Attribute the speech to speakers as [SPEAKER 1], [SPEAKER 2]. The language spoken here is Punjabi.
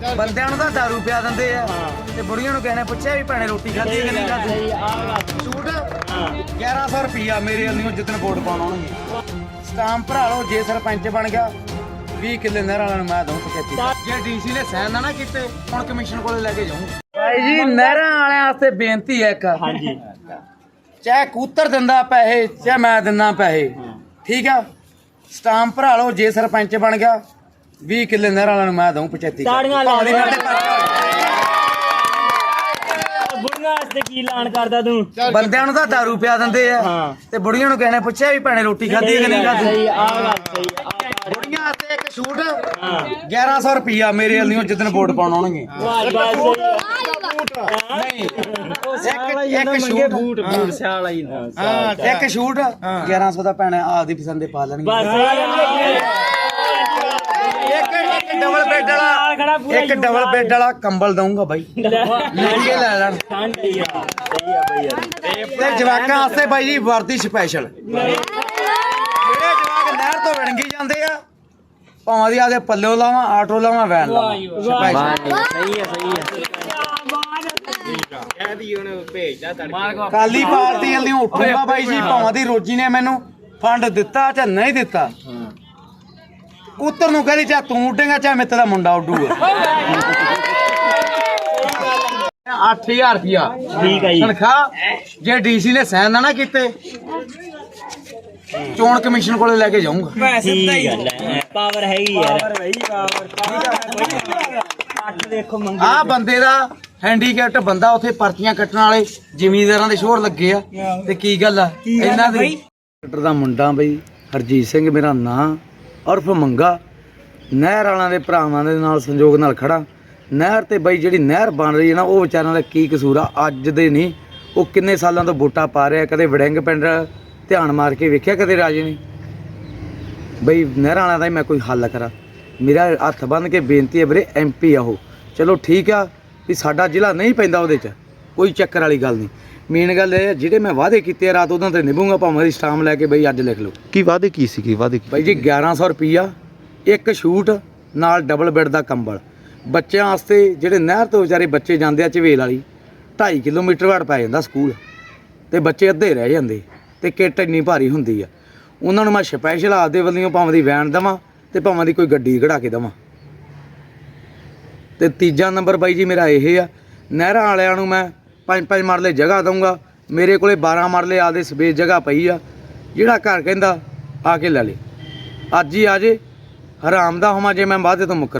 [SPEAKER 1] ਬੰਦਿਆਂ ਨੂੰ ਤਾਂ ਦਾਰੂ ਪਿਆ ਦਿੰਦੇ ਆ ਤੇ ਬੁੜੀਆਂ ਨੂੰ ਕਿਸੇ ਨੇ ਪੁੱਛਿਆ ਵੀ ਭੈਣੇ ਰੋਟੀ ਖਾਧੀ ਕਿ ਨਹੀਂ ਖਾਧੀ। ਸੂਟ 1100 ਰੁਪਿਆ ਮੇਰੇ ਵੱਲੋਂ ਜਿੱਦਣ ਵੋਟ ਪਾਉਣ ਆਉਣਗੇ। ਸਟਾਂਪ ਭਰਾ ਲਓ, ਜੇ ਸਰਪੰਚ ਬਣ ਗਿਆ 20 ਕਿੱਲੇ ਨਹਿਰ ਵਾਲਿਆਂ ਨੂੰ ਮੈਂ ਦਊਂ 75। ਜੇ ਡੀਸੀ ਨੇ ਸਾਈਨ ਨਾ ਕੀਤੇ ਹੁਣ ਕਮਿਸ਼ਨ ਕੋਲੇ ਲੈ ਕੇ ਜਾਊਂ। ਭਾਈ ਜੀ ਨਹਿਰਾਂ ਵਾਲਿਆਂ ਵਾਸਤੇ ਬੇਨਤੀ ਹੈ ਇੱਕ,
[SPEAKER 2] ਹਾਂਜੀ
[SPEAKER 1] ਚਾਹੇ ਕੂਤਰ ਦਿੰਦਾ ਪੈਸੇ ਚਾਹੇ ਮੈਂ ਦਿੰਦਾ ਪੈਸੇ, ਠੀਕ ਆ। ਸਟਾਂਪ ਭਰਾ ਲਓ, ਜੇ ਸਰਪੰਚ ਬਣ ਗਿਆ 20 ਕਿੱਲੇ ਨਹਿਰ ਵਾਲਿਆਂ ਨੂੰ ਮੈਂ ਦਊਂ 75।
[SPEAKER 2] ਬੁੜੀਆਂ ਵਾਸਤੇ ਕੀ ਐਲਾਨ ਕਰਦਾ ਤੂੰ?
[SPEAKER 1] ਬੰਦਿਆਂ ਨੂੰ ਤਾਂ ਦਾਰੂ ਪਿਆ ਦਿੰਦੇ ਆ ਤੇ ਬੁੜੀਆਂ ਨੂੰ ਕਿਸੇ ਨੇ ਪੁੱਛਿਆ ਵੀ ਭੈਣੇ ਰੋਟੀ ਖਾਧੀ ਕਿ ਨਹੀਂ ਖਾਧੀ। ਬੁੜੀਆਂ ਵਾਸਤੇ ਇੱਕ ਛੂਟ 1100 ਰੁਪਿਆ ਮੇਰੇ ਵੱਲੋਂ ਜਿੱਦਣ ਵੋਟ ਪਾਉਣ ਆਉਣਗੇ। ਨਹੀਂ ਇੱਕ ਛੂਟ
[SPEAKER 2] ਬੂਟ ਸਿਆਲ ਆਈ
[SPEAKER 1] ਇੱਕ ਛੂਟ 1100 ਦਾ ਭੈਣੇ ਆਪਦੀ ਪਸੰਦ ਦੇ ਪਾ ਲੈਣਗੇ। ਇੱਕ ਡਬਲ ਬੈੱਡ ਵਾਲਾ ਕੰਬਲ ਦਊਂਗਾ ਬਾਈ, ਲੈ ਲੈਣ। ਤੇ ਜਵਾਕਾਂ ਵਾਸਤੇ ਬਾਈ ਜੀ ਵਰਦੀ ਸਪੈਸ਼ਲ, ਜਿਹੜੇ ਜਵਾਕ ਨਹਿਰ ਤੋਂ ਵਿਣਗੀ ਜਾਂਦੇ ਆ ਭਾਵਾਂ ਦੀ ਆਦੇ ਪੱਲਿਓ ਲਾਵਾਂ, ਆਟੋ ਲਾਵਾਂ, ਵੈਨ ਲਾਵਾਂ, ਕਾਲੀ ਪਾਰਟੀ ਵਾਲੀ ਉੱਠੂਗਾ ਬਾਈ ਜੀ। ਭਾਵਾਂ ਦੀ ਰੋਜੀ ਨੇ ਮੈਨੂੰ ਫੰਡ ਦਿੱਤਾ ਚਾਹੇ ਨਹੀਂ ਦਿੱਤਾ, ਕੂਤਰ ਨੂੰ ਕਹਿੰਦੀ ਚਾਹੇ ਤੂੰ ਉੱਡੇਗਾ ਚਾਹੇ ਮੇਰੇ ਦਾ ਮੁੰਡਾ ਉੱਡੂਗਾ। 8000 ਰੁਪਿਆ
[SPEAKER 2] ਠੀਕ ਹੈ ਜੀ
[SPEAKER 1] ਤਨਖਾਹ। ਜੇ ਡੀਸੀ ਨੇ ਸਾਈਨ ਨਾ ਕੀਤੇ ਚੋਣ ਕਮਿਸ਼ਨ ਕੋਲੇ ਲੈ ਕੇ ਜਾਊਂਗਾ।
[SPEAKER 2] ਪਾਵਰ ਹੈਗੀ ਯਾਰ, ਦੇਖੋ
[SPEAKER 1] ਆ ਬੰਦੇ ਦਾ ਹੈਂਡੀਕੈਪਟ ਬੰਦਾ, ਉੱਥੇ ਪਰਚੀਆਂ ਕੱਟਣ ਵਾਲੇ ਜ਼ਿਮੀਂਦਾਰਾਂ ਦੇ ਸ਼ੋਰ ਲੱਗੇ ਆ। ਤੇ ਕੀ ਗੱਲ ਆ ਇਹਨਾਂ ਦੀ ਦਾ ਮੁੰਡਾ ਬਈ ਹਰਜੀਤ ਸਿੰਘ ਮੇਰਾ ਨਾਂ ਉਰਫ ਮੰਗਾ, ਨਹਿਰ ਵਾਲਿਆਂ ਦੇ ਭਰਾਵਾਂ ਦੇ ਨਾਲ ਸੰਯੋਗ ਨਾਲ ਖੜਾ। ਨਹਿਰ ਤੇ ਬਈ ਜਿਹੜੀ ਨਹਿਰ ਬਣ ਰਹੀ ਹੈ ਨਾ, ਉਹ ਵਿਚਾਰਿਆਂ ਦਾ ਕੀ ਕਸੂਰ ਆ? ਅੱਜ ਦੇ ਨਹੀਂ, ਉਹ ਕਿੰਨੇ ਸਾਲਾਂ ਤੋਂ ਵੋਟਾਂ ਪਾ ਰਿਹਾ। ਕਦੇ ਵੜਿੰਗ ਪਿੰਡ ਧਿਆਨ ਮਾਰ ਕੇ ਵੇਖਿਆ ਕਦੇ ਰਾਜੇ ਨੇ? ਬਈ ਨਹਿਰਾਂ ਵਾਲਿਆਂ ਦਾ ਹੀ ਮੈਂ ਕੋਈ ਹੱਲ ਕਰਾਂ। ਮੇਰਾ ਹੱਥ ਬੰਨ੍ਹ ਕੇ ਬੇਨਤੀ ਹੈ ਵੀਰੇ, MP ਆ ਉਹ, ਚਲੋ ਠੀਕ ਆ ਵੀ ਸਾਡਾ ਜ਼ਿਲ੍ਹਾ ਨਹੀਂ ਪੈਂਦਾ ਉਹਦੇ 'ਚ, ਕੋਈ ਚੱਕਰ ਵਾਲੀ ਗੱਲ ਨਹੀਂ। ਮੇਨ ਗੱਲ ਇਹ ਜਿਹੜੇ ਮੈਂ ਵਾਅਦੇ ਕੀਤੇ ਆ ਰਾਤ ਉਹਨਾਂ ਤੇ ਨਿਭੂੰਗਾ, ਭਾਵੇਂ ਦੀ ਸਟਾਮ ਲੈ ਕੇ ਬਈ ਅੱਜ ਲਿਖ ਲਓ।
[SPEAKER 3] ਕੀ ਵਾਅਦੇ ਕੀ ਸੀ? ਕੀ ਵਾਅਦੇ
[SPEAKER 1] ਬਾਈ ਜੀ 1100 ਰੁਪਿਆ, ਇੱਕ ਸ਼ੂਟ ਨਾਲ ਡਬਲ ਬੈੱਡ ਦਾ ਕੰਬਲ। ਬੱਚਿਆਂ ਵਾਸਤੇ ਜਿਹੜੇ ਨਹਿਰ ਤੋਂ ਵਿਚਾਰੇ ਬੱਚੇ ਜਾਂਦੇ ਆ ਝਵੇਲ ਵਾਲੀ, 2.5 ਕਿਲੋਮੀਟਰ ਵਾੜ ਪੈ ਜਾਂਦਾ ਸਕੂਲ, ਤੇ ਬੱਚੇ ਅੱਧੇ ਰਹਿ ਜਾਂਦੇ ਤੇ ਕਿੱਟ ਇੰਨੀ ਭਾਰੀ ਹੁੰਦੀ ਆ। ਉਹਨਾਂ ਨੂੰ ਮੈਂ ਸਪੈਸ਼ਲ ਆਪਦੇ ਵੱਲੋਂ ਭਾਵੇਂ ਦੀ ਵੈਨ ਦੇਵਾਂ ਤੇ ਭਾਵੇਂ ਦੀ ਕੋਈ ਗੱਡੀ ਕਢਾ ਕੇ ਦੇਵਾਂ। ਤੇ ਤੀਜਾ ਨੰਬਰ ਬਾਈ ਜੀ ਮੇਰਾ ਇਹ ਆ, ਨਹਿਰਾਂ ਵਾਲਿਆਂ ਨੂੰ ਮੈਂ 5-5 ਮਰਲੇ ਜਗ੍ਹਾ ਦਊਂਗਾ। ਮੇਰੇ ਕੋਲੇ 12 ਮਰਲੇ ਆਪਦੇ ਸਪੇਸ ਜਗ੍ਹਾ ਪਈ ਆ। ਜਿਹੜਾ ਘਰ ਕਹਿੰਦਾ ਆ ਕੇ ਲੈ ਲੇ, ਅੱਜ ਹੀ ਆ ਜੇ, ਹਰਾਮ ਦਾ ਹੋਵਾਂ ਜੇ ਮੈਂ ਵਾਅਦੇ ਤੋਂ ਮੁੱਕਰ।